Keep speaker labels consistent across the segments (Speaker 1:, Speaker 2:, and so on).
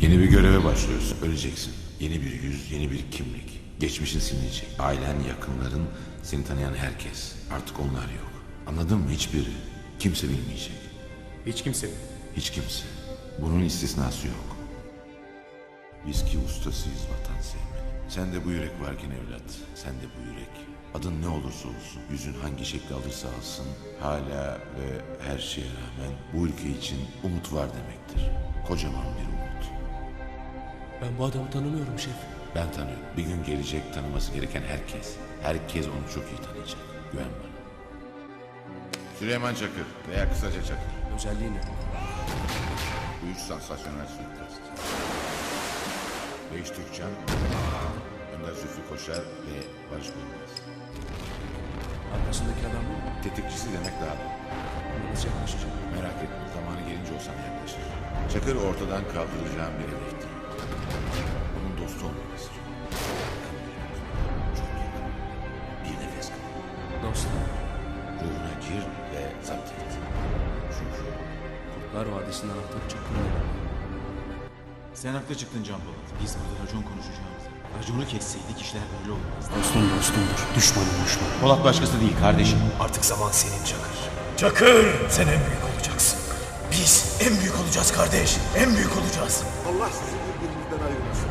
Speaker 1: Yeni bir göreve başlıyorsun. Öleceksin. Yeni bir yüz, yeni bir kimlik. Geçmişin silinecek. Ailen, yakınların, seni tanıyan herkes. Artık onlar yok. Anladın mı? Hiçbiri. Kimse bilmeyecek.
Speaker 2: Hiç kimse mi?
Speaker 1: Hiç kimse. Bunun istisnası yok. Biz ki ustasıyız vatan sevmenin. Sen de bu yürek varken evlat. Sen de bu yürek. Adın ne olursa olsun, yüzün hangi şekli alırsa alsın, hala ve her şeye rağmen bu ülke için umut var demektir. Kocaman bir umut.
Speaker 2: Ben bu adamı tanımıyorum şef.
Speaker 1: Ben tanıyorum. Bir gün gelecek, tanıması gereken herkes. Herkes onu çok iyi tanıyacak. Güven bana. Süleyman Çakır veya kısaca Çakır.
Speaker 2: Özelliği ne?
Speaker 1: Bu üç sansasyonel suikast. Beyiş Türkcan, Önder Zülfü Koşar ve Barış Bölmez.
Speaker 2: Arkasındaki adam mı?
Speaker 1: Tetikçisi demek daha da.
Speaker 2: Nasıl yaklaşacak?
Speaker 1: Merak etme, zamanı gelince o sana yaklaşır. Çakır ortadan kaldıracağım bir hedefti. Onun dostu olmak istiyor. Çok yakın. Bir nefes kal.
Speaker 2: Dostlar.
Speaker 1: Ruhuna gir ve zapt et. Çünkü
Speaker 2: Kurtlar Vadisi'nin anahtarı Çakır'ın elinde.
Speaker 3: Sen haklı çıktın Can Polat. Biz burada racon konuşacağımızı. Raconu kesseydik işler böyle olmazdı.
Speaker 2: Dostum dostumdur. Düşmanım düşman.
Speaker 3: Polat başkası değil kardeşim.
Speaker 4: Artık zaman senin Çakır. Çakır! Sen en büyük olacaksın. Biz en büyük olacağız kardeş. En büyük olacağız.
Speaker 5: Allah sizi birbirinizden ayırmasın.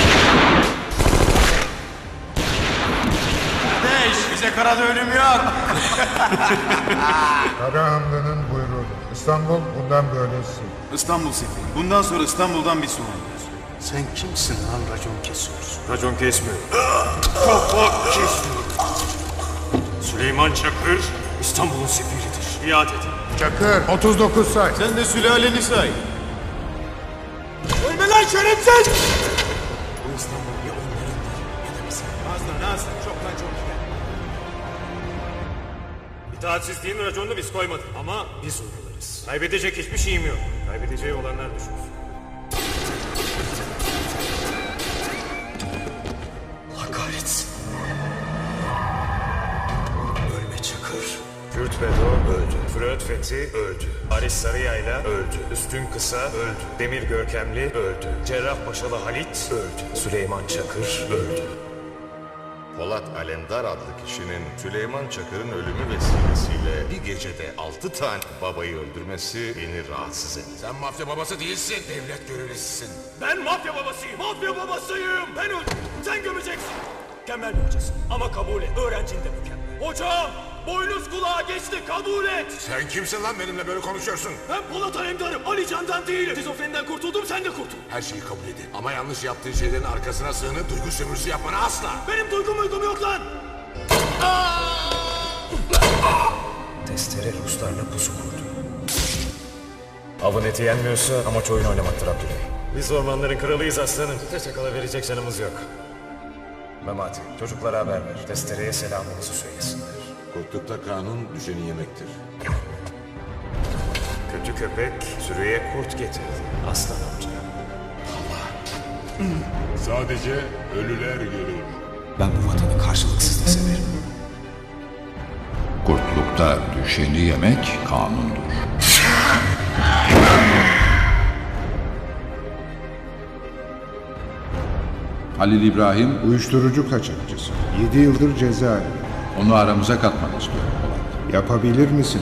Speaker 3: Kardeş bize karada ölüm yok.
Speaker 6: Karahanlı'nın buyruğu. İstanbul bundan böylesi.
Speaker 3: İstanbul Sefi. Bundan sonra İstanbul'dan bir sorumluyuz.
Speaker 4: Sen kimsin lan racon kesiyorsun? Racon kesmiyor. Kafa kesmiyor. Süleyman Çakır İstanbul'un sefiridir. İade edin.
Speaker 6: Çakır 39 say.
Speaker 3: Sen de sülaleni say.
Speaker 4: Ölme lan şerefsiz! Bu İstanbul ya onlarındır ya da bizim.
Speaker 3: Nazlı çoktan çok iyi.
Speaker 7: İtaatsizliğin raconunu biz koymadık ama biz uygularız. Kaybedecek hiçbir şeyim yok. Kaybedeceği olanlar düşünsün.
Speaker 4: Allah kahretsin. Ölme Çakır.
Speaker 7: Kürt Bedo öldü. Freud Fethi öldü. Haris Sarıyayla öldü. Üstün Kısa öldü. Demir Görkemli öldü. Cerrahpaşalı Halit öldü. Süleyman Çakır öldü.
Speaker 8: Polat Alemdar adlı kişinin Süleyman Çakır'ın ölümü vesilesiyle bir gecede 6 tane babayı öldürmesi beni rahatsız etti.
Speaker 5: Sen mafya babası değilsin. Devlet görevlisisin.
Speaker 7: Ben mafya babasıyım. Mafya babasıyım. Ben öldüm. Sen gömeceksin. Mükemmel bir hocasın. Ama kabul et. Öğrencin de mükemmel. Hocam! Boynuz kulağa geçti. Kabul et.
Speaker 5: Sen kimsin lan benimle böyle konuşuyorsun?
Speaker 7: Ben Polat Alemdar'ım. Ali Can'dan değilim. Şizofreniden kurtuldum. Sen de kurtul.
Speaker 5: Her şeyi kabul edin. Ama yanlış yaptığın şeylerin arkasına sığınıp duygu sömürüsü yapmana asla.
Speaker 7: Benim duygum yok lan.
Speaker 4: Testere Ruslarla pusu kurdu. Avın eti yenmiyorsa amaç oyun oynamaktır Abdüley.
Speaker 7: Biz ormanların kralıyız aslanım. Teşekkürle verecek canımız yok.
Speaker 4: Memati çocuklara haber ver. Testereye selamımızı söylesinler.
Speaker 1: korktukta kanun düşeni yemektir.
Speaker 7: Kötü köpek sürüye kurt getirdi. Aslan amca.
Speaker 5: Sadece ölüler görür.
Speaker 4: Ben bu vatanı karşılıksız da severim.
Speaker 9: Kurtlukta düşeni yemek kanundur. Halil İbrahim,
Speaker 6: Uyuşturucu kaçakçısı. 7 yıldır cezaevinde.
Speaker 9: onu aramıza katmak istiyorum Polat.
Speaker 6: Yapabilir misin?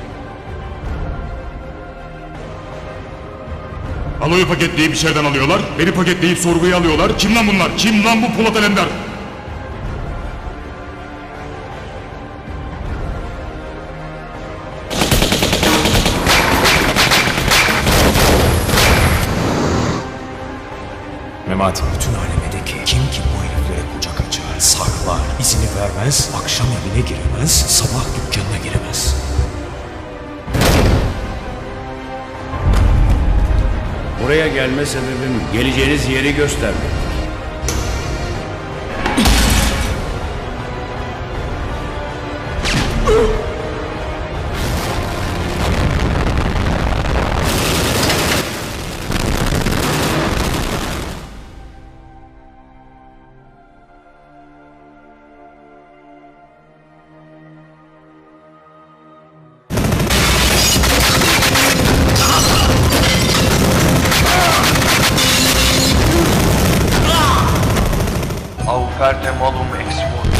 Speaker 10: Aloyu paketleyip içeriden alıyorlar. Beni paketleyip sorguya alıyorlar. Kim lan bunlar? Kim lan bu Polat Alemdar?
Speaker 4: Memati bütün alemedeki kim ki bu heriflere kucak açar, saklar, izini vermez, akşam evine giremez, sabah dükkanına giremez.
Speaker 11: Buraya gelme sebebim geleceğiniz yeri göstermek.
Speaker 12: Auferte malum ex voto.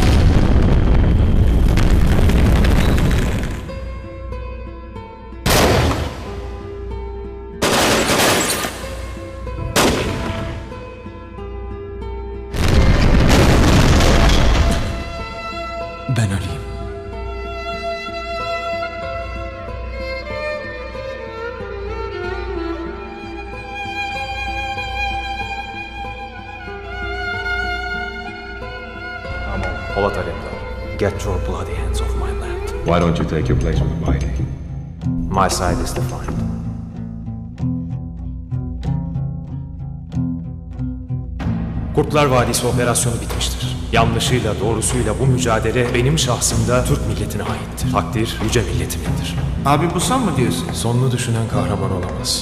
Speaker 3: Ben Ali'yim.
Speaker 7: Polat Alemdar, get your bloody hands off my land.
Speaker 4: Why don't you take your place with the mighty?
Speaker 7: My side is defined. Kurtlar Vadisi operasyonu bitmiştir. Yanlışıyla doğrusuyla bu mücadele benim şahsımda Türk milletine aittir. Takdir yüce milletimindir.
Speaker 12: Abi bu son mu diyorsun?
Speaker 7: Sonunu düşünen kahraman olamaz.